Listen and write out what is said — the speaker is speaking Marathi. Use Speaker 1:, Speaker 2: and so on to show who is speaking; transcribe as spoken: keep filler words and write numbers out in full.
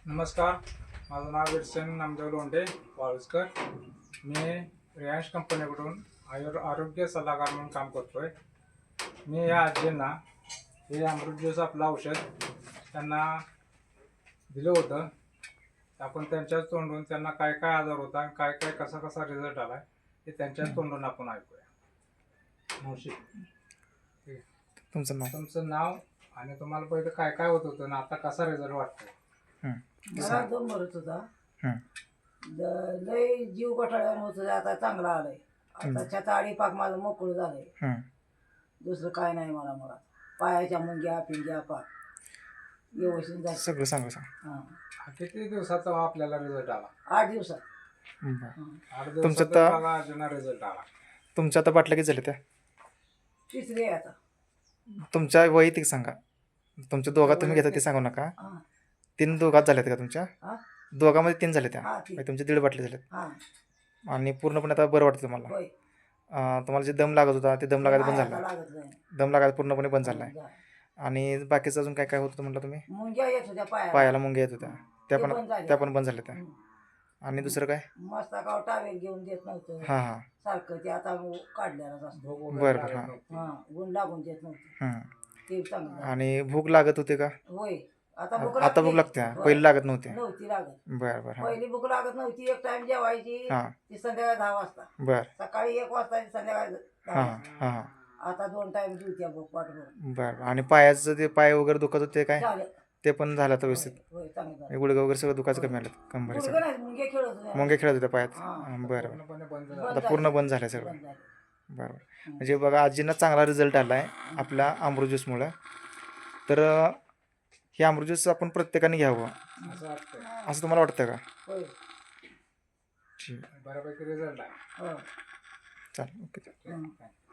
Speaker 1: नमस्कार, माझं नाव विरसन नामदेव लोंढे वाळुसकर. मी रियांश कंपनीकडून आयुर आरोग्य सल्लागार म्हणून काम करतो आहे. मी या आजींना हे अमृत ज्यूस आपलं औषध त्यांना दिलं होतं. आपण त्यांच्याच तोंडून त्यांना काय काय आजार होता, काय काय कसा कसा रिझल्ट आला हे त्यांच्याच तोंडून आपण ऐकूया. मावशी,
Speaker 2: तुमचं नाव
Speaker 1: तुमचं नाव आणि तुम्हाला पहिले काय काय होत होतं ना आता कसा रिझल्ट वाटतो?
Speaker 3: मला दम भरत होता.
Speaker 2: हं.
Speaker 3: द- लय जीव गठाळ्यावर होत होता. आता चांगला आलाय. आता छाता आडी पाक माझं मोकळं झालंय.
Speaker 2: हं.
Speaker 3: दुसरं काय नाही मला. मला पायाच्या मुंग्या पिंग्या पाक व्यवस्थित झालं.
Speaker 2: सगळं सांगा सांग.
Speaker 3: हा
Speaker 1: किती दिवसाचा आपल्याला रिझल्ट आला?
Speaker 3: आठ दिवसात.
Speaker 2: बरं.
Speaker 3: हं.
Speaker 1: आठ
Speaker 2: तुमचं
Speaker 1: दिवसात
Speaker 2: तर-
Speaker 1: बघा अजून रिझल्ट आला.
Speaker 2: तुमच्या आता बाटल्या किती झाल्या त्या?
Speaker 3: तिसरी आहे आता.
Speaker 2: तुमच्या वैयक्तिक सांगा. तुमच्या दोघात तुम्ही घेता ते सांगू नका.
Speaker 3: हा
Speaker 2: तीन दोघात झाल्यात का तुमच्या?
Speaker 3: हा
Speaker 2: दोघांमध्ये तीन झाल्या त्या
Speaker 3: हा ती
Speaker 2: म्हणजे तुमच्या दीड बाटल्या झाल्यात
Speaker 3: हा
Speaker 2: आणि पूर्णपणे आता बरं वाटतं तुम्हाला.
Speaker 3: होय.
Speaker 2: अं, तुम्हाला जे दम लागत होता ते दम लागायला बंद
Speaker 3: आता
Speaker 2: झाला.
Speaker 3: लागत नाही.
Speaker 2: दम लागायला पूर्णपणे बंद झाला आहे.
Speaker 3: जा.
Speaker 2: आणि बाकीचं अजून काय काय होत होतं म्हटलं तुम्ही?
Speaker 3: मुंग्या येत होत्या पायाला.
Speaker 2: पायाला मुंग्या येत होत्या त्या
Speaker 3: ते
Speaker 2: पण
Speaker 3: बंद झाल्या.
Speaker 2: त्या पण बंद झाल्या त्या.
Speaker 3: हं.
Speaker 2: आणि दुसरं काय?
Speaker 3: मस्तकावर टावेल घेऊन देत नव्हतं
Speaker 2: हां हां
Speaker 3: सारखं. ते आता काढल्यालाच असतं.
Speaker 1: भूक
Speaker 2: बरं,
Speaker 1: वगैरे
Speaker 2: बरं,
Speaker 1: लागत
Speaker 2: हां.
Speaker 1: नव्हती.
Speaker 3: हा गुण लागून देत नव्हतं.
Speaker 2: हं.
Speaker 3: ते चांगलं झालं.
Speaker 2: आणि भूक लागत होते का?
Speaker 3: होय. आता भूक
Speaker 2: आता भूक लागते
Speaker 3: होय.
Speaker 2: पहिली लागत नव्हती.
Speaker 3: नव्हती लागत.
Speaker 2: बरं बरं हां
Speaker 3: पहिली भूक लागत नव्हती. एक टाइम जेवायची
Speaker 2: हां
Speaker 3: ती संध्याकाळी दहा वाजता.
Speaker 2: बरं
Speaker 3: सकाळी एक वाजता ती संध्याकाळी दहा
Speaker 2: हां
Speaker 3: वाजता.
Speaker 2: हां हां
Speaker 3: आता दोन टाइम जेवत्या भूक पाठवून.
Speaker 2: बरं बरं. आणि पायाचं ते पाय वगैरे दुखत होते ते काय
Speaker 3: झालं.
Speaker 2: ते पण झालं तर व्यवस्थित?
Speaker 3: होय चांगलं झालं.
Speaker 2: हे गुडघे वगैरे सगळं दुखायचं कमी आलं कंबरी
Speaker 3: गुडघे
Speaker 2: सगळं
Speaker 3: नाही मुंगे खेळत होते.
Speaker 2: मुंगे खेळत होत्या पायात?
Speaker 3: हां.
Speaker 2: हां, बरं बरं.
Speaker 1: पूर्णपणे बंद
Speaker 3: बंद
Speaker 1: झालं.
Speaker 2: आता
Speaker 3: झालं.
Speaker 2: पूर्ण बंद झालं सगळं.
Speaker 3: बंद झालं.
Speaker 2: बरं बरं. म्हणजे बघा आजींना चांगला रिझल्ट आला आहे आपल्या अमृत ज्यूसमुळं. तर अं, हे अमृत ज्यूस आपण प्रत्येकाने घ्यावं
Speaker 1: असं वाटतंय.
Speaker 2: असं तुम्हाला वाटतं का?
Speaker 3: होय.
Speaker 2: ठीक
Speaker 1: बऱ्यापैकी रिझल्ट आहे.
Speaker 3: हो.
Speaker 2: चालेल ओके.
Speaker 3: हं.